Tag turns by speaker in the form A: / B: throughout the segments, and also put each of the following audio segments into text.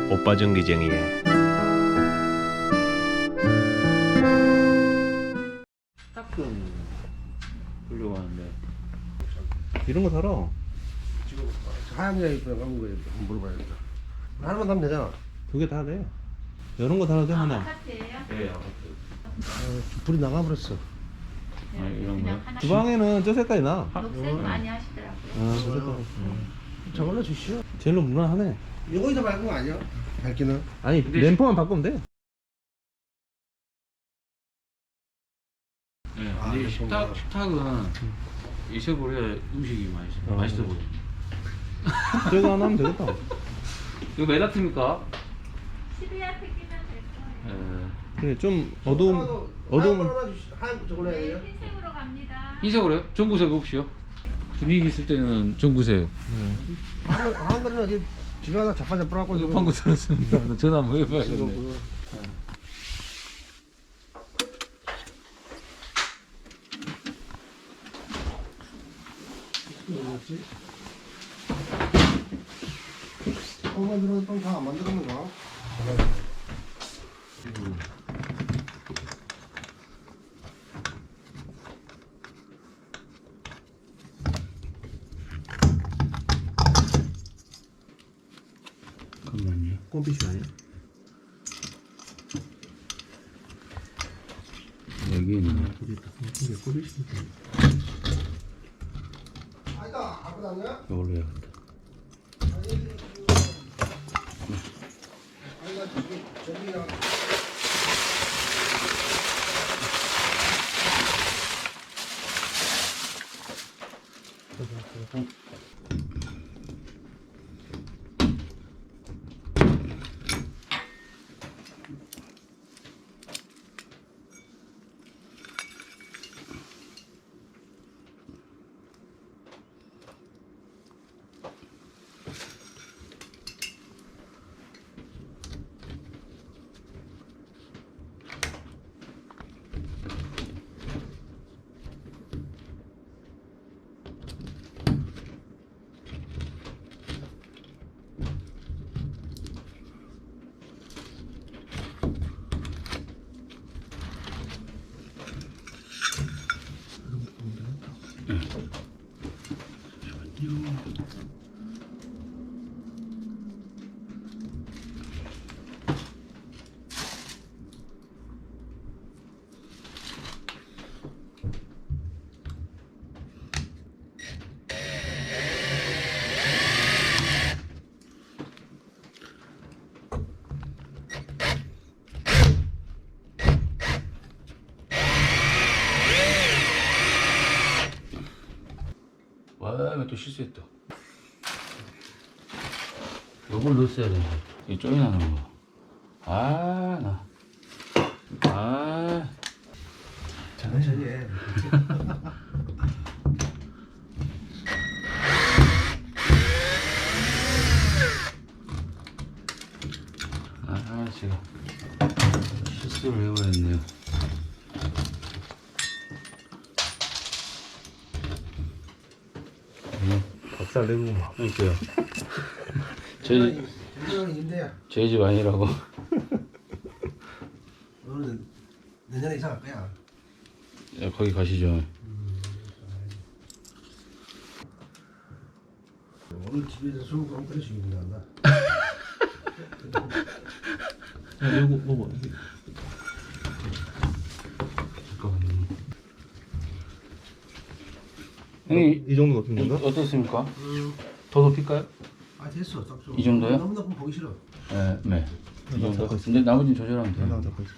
A: 오빠 전기쟁이에
B: 스타큰 보려고 하는데
A: 이런 거 사라.
C: 지금 하얀 게 입고 남은 거에 한번 물어봐야겠다. 하나만 사면 되잖아.
A: 두 개 다 돼. 이런 거 사도 돼 하나.
D: 아파트예요?
B: 네 아파트
C: 불이 나가버렸어.
B: 아, 이런 거요?
A: 주방에는 저 색깔이 나.
D: 녹색 많이 하시더라고요.
A: 아, 저 색깔.
C: 저걸로 주시오.
A: 제일로 무난하네.
C: 이거에서 밝은 거 아니야? 밝기는?
A: 아니
B: 근데
A: 램프만 바꾸면 돼.
B: 네,
C: 아,
B: 근데
C: 이거
B: 식탁은 있어버려야 음식이 맛있어 보여.
A: 저거 하나 하면 되겠다.
B: 이거 몇 와트입니까?
D: 12와트 끼면 될 거예요.
A: 그래 좀 어두움.
C: 하얀 저걸로 해야 돼요?
D: 네, 흰색으로 갑니다.
B: 흰색으로요? 전구색 없이요? 분위기 있을 때는 전구색.
C: 하얀 거는 어디 집에 하나 자빠져갖고
B: 이거 방금 들었습니다. 전화 한번 해봐야겠네.
C: 뭐였지? 만들어서 똥다안 만들었는가?
B: 잠깐만요.
A: 꼼비슈 아니야?
B: 여기는
A: 이게 꼼비슈.
C: 아니다, 아무도 아니야?
B: 이걸로 해야겠다.
C: 아니다, 저기랑.
B: 와, 이거 또 실수했다. 요걸 넣었어야 되는데. 이 쪼인하는 거. 아, 나. 아.
C: 천천히 해.
B: 아, 제가 실수를 해버렸네요.
A: 박살 내고 막.
B: 그러니까요. 저희,
C: 전쟁은 인데야.
B: 저희 집 아니라고.
C: 너는 내년에 이사 갈 거야.
B: 야, 거기 가시죠.
C: 오늘 집에서 술 먹고 끓여 죽이는 거 한다.
A: 야, 이거 먹어.
B: 잠깐만요. 형님,
A: 이 정도 높은 건가?
B: 어떻습니까? 더 높일까요?
C: 아 됐어, 딱 좋아.
B: 이 정도요?
C: 너무 높으면 보기 싫어.
B: 네, 네. 이 정도. 근데 나머지는 조절하면 돼요.
A: 하나 더 있어.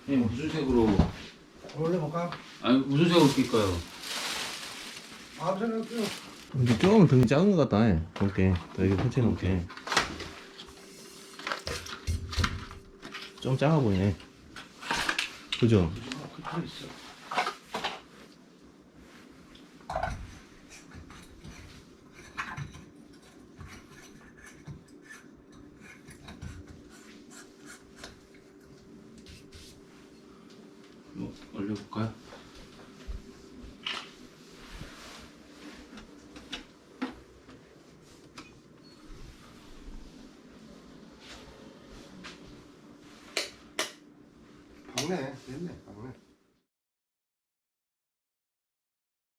B: 무슨 색으로?
C: 올려볼까?
B: 아니 무슨 색으로 낄까요?
C: 아무 생각 없어요.
A: 근데 조금 등이 작은 것 같다. 볼게. 더 이게 펼쳐놓게. 좀 작아 보이네. 그죠?
C: 그래 있어.
B: 뭐 올려볼까요?
C: 박네, 됐네, 박네.